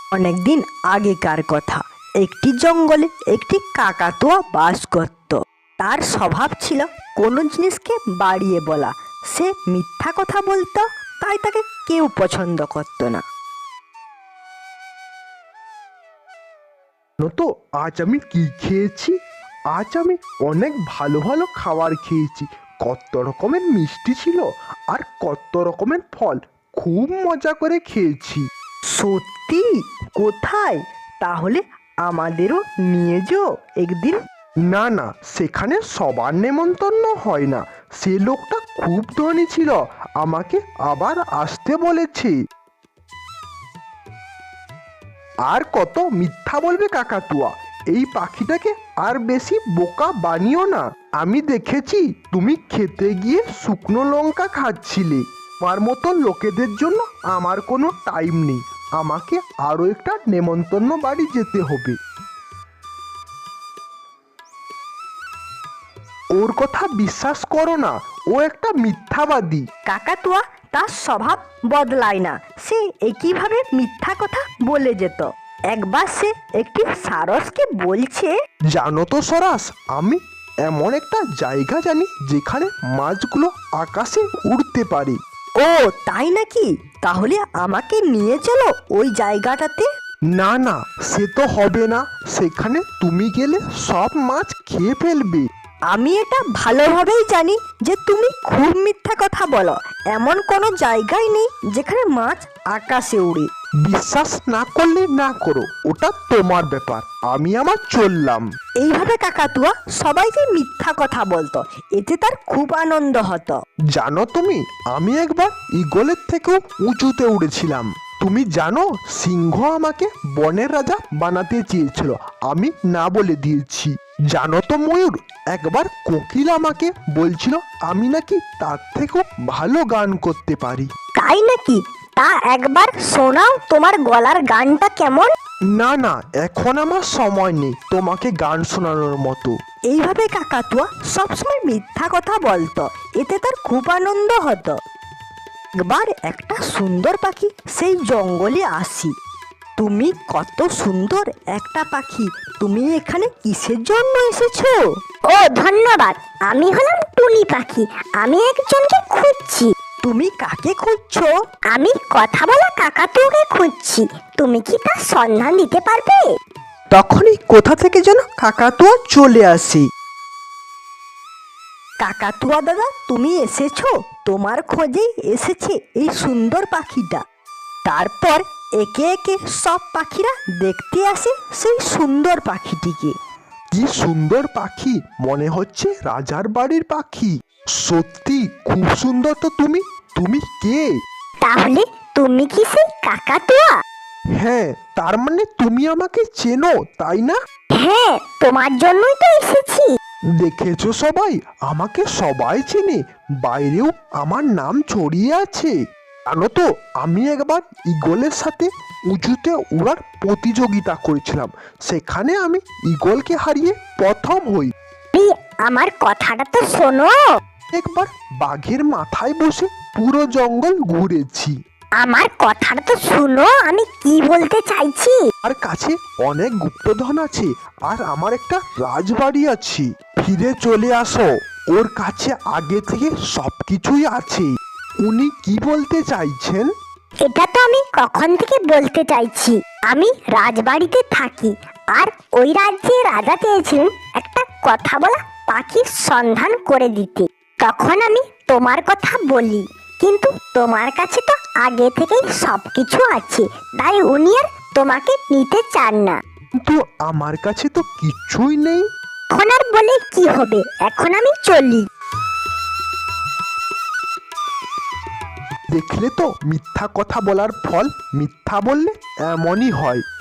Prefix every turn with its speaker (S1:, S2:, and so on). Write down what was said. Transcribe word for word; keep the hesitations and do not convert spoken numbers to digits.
S1: অনেকদিন আগেকার কথা। একটি জঙ্গলে একটি কাকাতুয়া বাস করত। তার স্বভাব ছিল কোনো জিনিসকে বাড়িয়ে বলা। সে মিথ্যা কথা বলতো, তাই তাকে কেউ পছন্দ করতো না।
S2: জানো তো আজ আমি কি খেয়েছি? আজ আমি অনেক ভালো ভালো খাবার খেয়েছি। কত রকমের মিষ্টি ছিল আর কত রকমের ফল। খুব মজা করে খেয়েছি।
S1: সত্যি? কোথায়? তাহলে আমাদেরও নিয়ে যাও একদিন।
S2: না না, সেখানে সবার নেমন্তন্ন হয় না। সে লোকটা খুব ধনী ছিল, আমাকে আবার আসতে বলেছে। আর কত মিথ্যা বলবে কাকাতুয়া? এই পাখিটাকে আর বেশি বোকা বানিও না। আমি দেখেছি তুমি খেতে গিয়ে শুকনো লঙ্কা খাচ্ছিলে। আমার মতন লোকেদের জন্য আমার কোনো টাইম নেই। আমাকে আরও একটা নেমন্তন্ন বাড়ি যেতে হবে। ওর কথা বিশ্বাস করো না, ও একটা মিথ্যাবাদী।
S1: কাকাতুয়া তার স্বভাব বদলায় না। সে একইভাবে মিথ্যা কথা বলে যেত। একবার সে একটি সারসকে বলছে,
S2: জানো তো সরাস, আমি এমন একটা জায়গা জানি যেখানে মাছগুলো আকাশে উড়তে পারে।
S1: ও তাই নাকি? তাহলে আমাকে নিয়ে চলো ওই জায়গাটাতে।
S2: না না, সে তো হবে না। সেখানে তুমি গেলে সব মাছ খেয়ে ফেলবে।
S1: আমি এটা ভালোভাবেই জানি যে তুমি খুব মিথ্যা কথা বলো। এমন কোনো জায়গায় নেই যেখানে মাছ আকাশে উড়ে।
S2: বিশ্বাস না করলে না করো, ওটা তোমার ব্যাপার। আমি আমার চললাম।
S1: এইভাবে কাকাতুয়া সবাইকে মিথ্যা কথা বলতো। এতে তার খুব আনন্দ হতো।
S2: জানো তুমি, আমি একবার ঈগলের থেকেও উঁচুতে উড়েছিলাম। তুমি জানো, সিংহ আমাকে বনের রাজা বানাতে চেয়েছিল, আমি না বলে দিয়েছি। জানো তো ময়ূর, একবার কোকিল আমাকে বলছিল আমি নাকি তার থেকেও ভালো গান করতে পারি।
S1: তাই নাকি? তা একবার শোনাও তোমার গলার গানটা কেমন।
S2: না না, এখন আমার সময় নেই তোমাকে গান শোনানোর মতো।
S1: এইভাবে কাকাতুয়া সবসময় মিথ্যা কথা বলতো। এতে তার খুব আনন্দ হতো। একবার একটা সুন্দর পাখি সেই জঙ্গলে আসি। তুমি কত সুন্দর একটা পাখি, তুমি এখানে কিসের জন্য এসেছো?
S3: ও ধন্যবাদ, আমি হলাম টুনি পাখি। আমি একজনকে খুঁজছি।
S1: তুমি কাকে খুঁজছো?
S3: আমি কথা বলা কাকাতুয়াকে খুঁজছি। তুমি কি তার সন্ধান দিতে পারবে?
S1: তখনই কোথা থেকে যেন কাকাতুয়া চলে আসি। কাকাতুয়া দাদা, তুমি এসেছো? তোমার খোঁজেই এসেছে এই সুন্দর পাখিটা। তারপর একে একে সব পাখিরা দেখতে আসে সেই সুন্দর পাখিটিকে।
S2: কি সুন্দর পাখি, মনে হচ্ছে রাজার বাড়ির পাখি। সত্যি খুব সুন্দর তো তুমি। তুমি কে?
S3: তাহলে তুমি কি সেই কাকাতুয়া?
S2: হ্যাঁ, তার মানে তুমি আমাকে চেনো, তাই না?
S3: হ্যাঁ, তোমার জন্যই তো এসেছি।
S2: দেখেছো সবাই, আমাকে সবাই চেনে। বাইরেও আমার নাম ছড়িয়ে আছে। জানো তো, আমি একবার ঈগলের সাথে উঁচুতে উড়ার প্রতিযোগিতা করেছিলাম। সেখানে আমি ঈগলকে হারিয়ে প্রথম হই।
S3: এই, আমার কথাটা তো শোনো।
S2: একবার বাঘের মাথায় বসে পুরো জঙ্গল ঘুরেছি।
S3: আমার কথাটা তো শুনো, আমি কি বলতে চাইছি।
S2: আর কাছে অনেক গুপ্তধন আছে, আর আমার একটা রাজবাড়ি আছে। ফিরে চলে আসো, ওর কাছে আগে থেকে সবকিছুই আছে। উনি কি বলতে চাইছেন?
S3: এটা তো আমি কখন থেকে বলতে চাইছি। আমি রাজবাড়িতে থাকি, আর ওই রাজ্যে রাজা চেয়েছিলেন একটা কথা বলা পাখির সন্ধান করে দিতে। তখন আমি তোমার কথা বলি, কিন্তু তোমার কাছে তো আগে থেকেই সবকিছু আছে, তাই উনি আর তোমাকে নিতে চান না।
S2: কিন্তু আমার কাছে তো কিচ্ছুই নেই।
S3: এখন আর বলে কি হবে, এখন আমি চলি।
S2: দেখলে তো, মিথ্যা কথা বলার ফল। মিথ্যা বললে এমনই হয়।